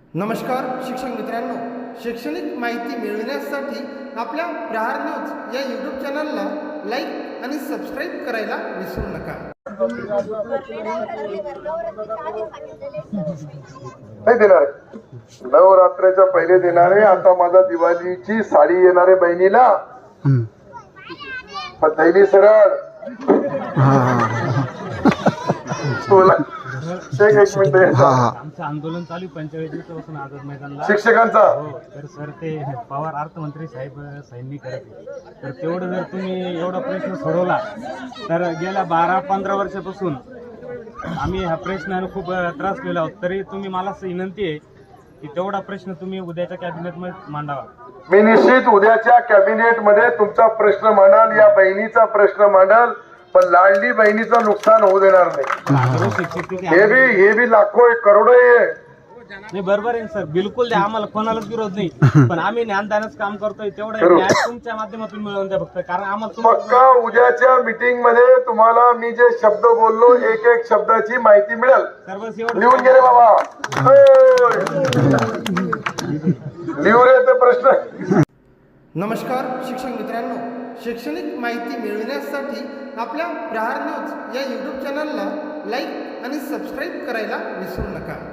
नमस्कार शिक्षक मित्रांनो, शैक्षणिक माहिती मिळविण्यासाठी आपल्या प्रहार न्यूज या यूट्यूब चॅनलला लाईक आणि सबस्क्राईब करायला विसरू नका. नाही देणार, नवरात्रीच्या पहिले देणारे. आता माझा दिवाळीची साडी येणारे बहिणीला, पण दैनी सरळ बोला. एक मिनिट. आमचं आंदोलन चालू 45 दिवसापासून आझाद मैदानला शिक्षकांचा तर सर ते पवार अर्थमंत्री साहेब साहेबांनी करत तर तेवढं जर तुम्ही एवढा प्रश्न सोडवला तर गेल्या 12-15 वर्षापासून आम्ही ह्या प्रश्नाने खूप त्रासलेलो आहोत. तरी तुम्ही मला असं विनंती आहे की तेवढा प्रश्न तुम्ही उद्याच्या कॅबिनेटमध्ये मांडावा. मी निश्चित उद्याच्या कॅबिनेट मध्ये तुमचा प्रश्न मांडाल, या बहिणीचा प्रश्न मांडाल, पण लाडली बहिणीचं नुकसान होऊ देणार नाही. हे बी लाखो करोडो आहे. नाही बरोबर आहे सर, बिलकुल द्या, आम्हाला कोणालाच विरोध नाही, पण आम्ही ज्ञानदानच काम करतोय तेवढं न्याय तुमच्या माध्यमातून मिळवून द्या फक्त. कारण आम्हाला पक्का उद्याच्या मीटिंग मध्ये तुम्हाला मी जे शब्द बोललो एक एक शब्दाची माहिती मिळेल. लिहून गेले बाबा, लिहू रे ते प्रश्न. नमस्कार शिक्षक मित्रांनो, शैक्षणिक माहिती मिळविण्यासाठी आपल्या प्रहार न्यूज या यूट्यूब चॅनलला लाईक आणि सबस्क्राईब करायला विसरू नका.